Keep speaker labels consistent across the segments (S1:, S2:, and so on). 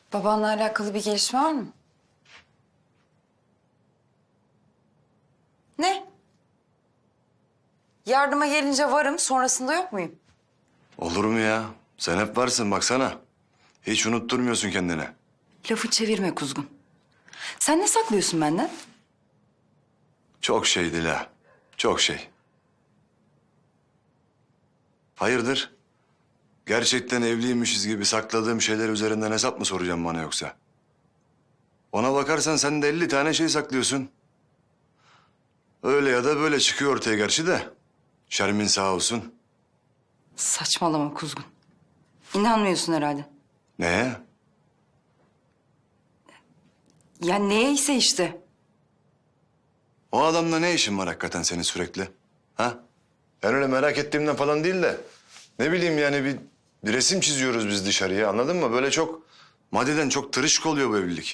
S1: Babanla alakalı bir gelişme var mı? Ne? Yardıma gelince varım, sonrasında yok muyum?
S2: Olur mu ya? Sen hep varsın baksana. Hiç unutturmuyorsun kendini.
S1: Lafı çevirme Kuzgun. Sen ne saklıyorsun benden?
S2: Çok şey Dila. Çok şey. Hayırdır? Gerçekten evliymişiz gibi sakladığım şeyler üzerinden hesap mı soracağım bana yoksa? Ona bakarsan sen de 50 tane şey saklıyorsun. Öyle ya da böyle çıkıyor ortaya gerçi de. Şermin sağ olsun.
S1: Saçmalama Kuzgun. İnanmıyorsun herhalde.
S2: Neye?
S1: Ya neyse işte.
S2: O adamla ne işin var hakikaten senin sürekli? Ha? Ben öyle merak ettiğimden falan değil de... ...ne bileyim yani bir resim çiziyoruz biz dışarıya, anladın mı? Böyle çok maddeden çok tırışık oluyor bu evlilik.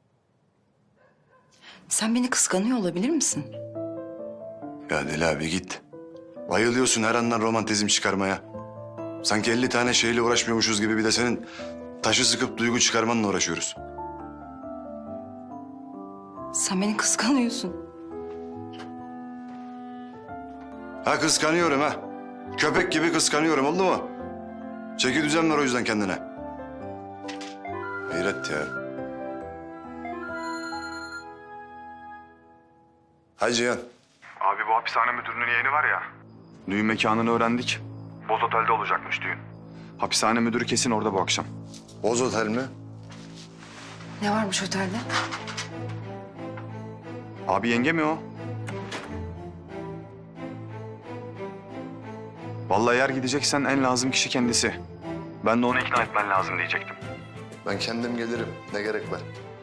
S1: Sen beni kıskanıyor olabilir misin?
S2: Ya Deli abi git. Bayılıyorsun her andan romantizm çıkarmaya. Sanki 50 tane şeyle uğraşmıyormuşuz gibi bir de senin taşı sıkıp duygu çıkarmanla uğraşıyoruz.
S1: Sen beni kıskanıyorsun.
S2: Ha kıskanıyorum ha. Köpek gibi kıskanıyorum, oldu mu? Çeki düzen ver o yüzden kendine. Hayret ya. Hay Cihan.
S3: Abi bu hapishane müdürünün yeğeni var ya. Düğün mekanını öğrendik. Boz Otel'de olacakmış düğün. Hapishane müdürü kesin orada bu akşam.
S2: Boz Otel mi?
S1: Ne varmış otelde?
S3: Abi yenge mi o? Vallahi eğer gideceksen en lazım kişi kendisi. Ben de onu ikna etmen lazım diyecektim.
S2: Ben kendim gelirim. Ne gerek var?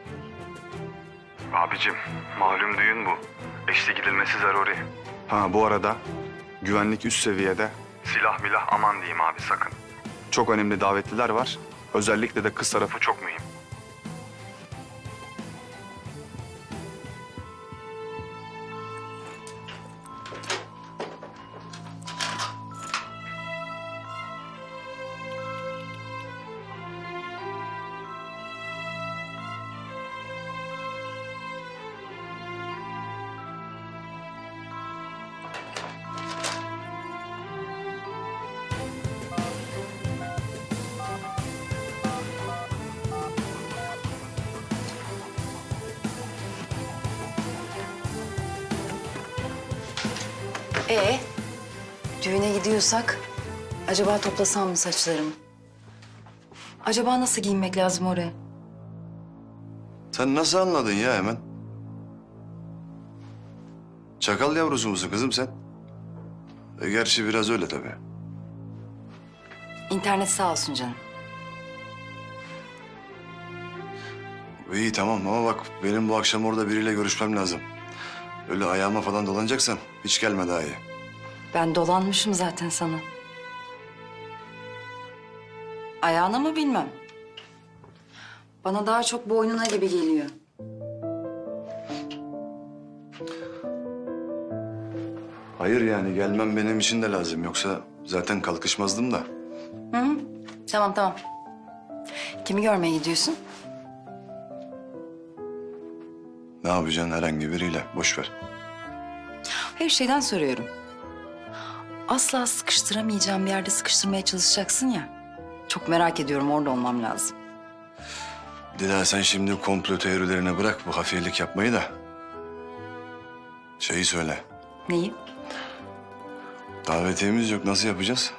S3: Abicim malum düğün bu. Eşli gidilmesi zaruri. Ha bu arada güvenlik üst seviyede. Silah milah aman diyeyim abi sakın. Çok önemli davetliler var. Özellikle de kız tarafı çok mühim.
S1: Düğüne gidiyorsak acaba toplasam mı saçlarımı? Acaba nasıl giyinmek lazım oraya?
S2: Sen nasıl anladın ya hemen? Çakal yavrusu musun kızım sen? Gerçi biraz öyle tabii.
S1: İnternet sağ olsun canım.
S2: İyi tamam ama bak benim bu akşam orada biriyle görüşmem lazım. Öyle ayağıma falan dolanacaksan hiç gelme daha iyi.
S1: Ben dolanmışım zaten sana. Ayağına mı bilmem. Bana daha çok boynuna gibi geliyor.
S2: Hayır yani gelmem benim için de lazım. Yoksa zaten kalkışmazdım da.
S1: Hı hı. Tamam tamam. Kimi görmeye gidiyorsun?
S2: Ne yapacaksın herhangi biriyle? Boş ver.
S1: Her şeyden soruyorum. Asla sıkıştıramayacağım bir yerde sıkıştırmaya çalışacaksın ya. Çok merak ediyorum, orada olmam lazım.
S2: Dila sen şimdi komplo teorilerine bırak bu hafiyelik yapmayı da. Şeyi söyle.
S1: Neyi?
S2: Davetiyemiz yok. Nasıl yapacağız?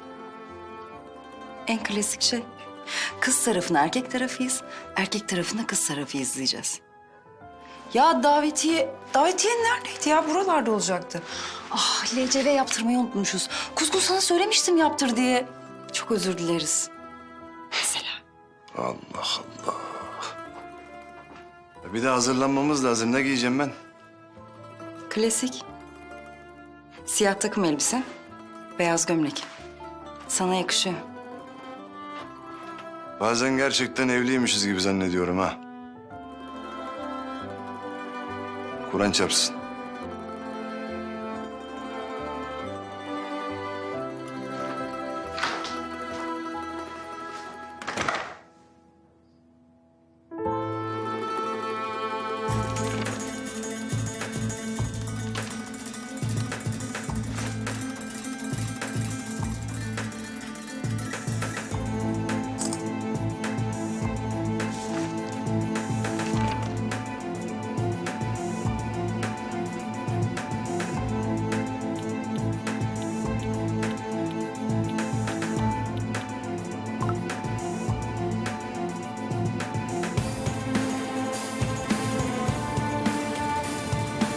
S1: En klasik şey. Kız tarafına erkek tarafıyız, erkek tarafına kız tarafı izleyeceğiz. Ya davetiye neredeydi ya? Buralarda olacaktı. Ah, LCV yaptırmayı unutmuşuz. Kuzgun sana söylemiştim yaptır diye. Çok özür dileriz. Mesela.
S2: Allah Allah. Bir de hazırlanmamız lazım. Ne giyeceğim ben?
S1: Klasik. Siyah takım elbise, beyaz gömlek. Sana yakışıyor.
S2: Bazen gerçekten evliymişiz gibi zannediyorum ha. Kur'an çarpsın.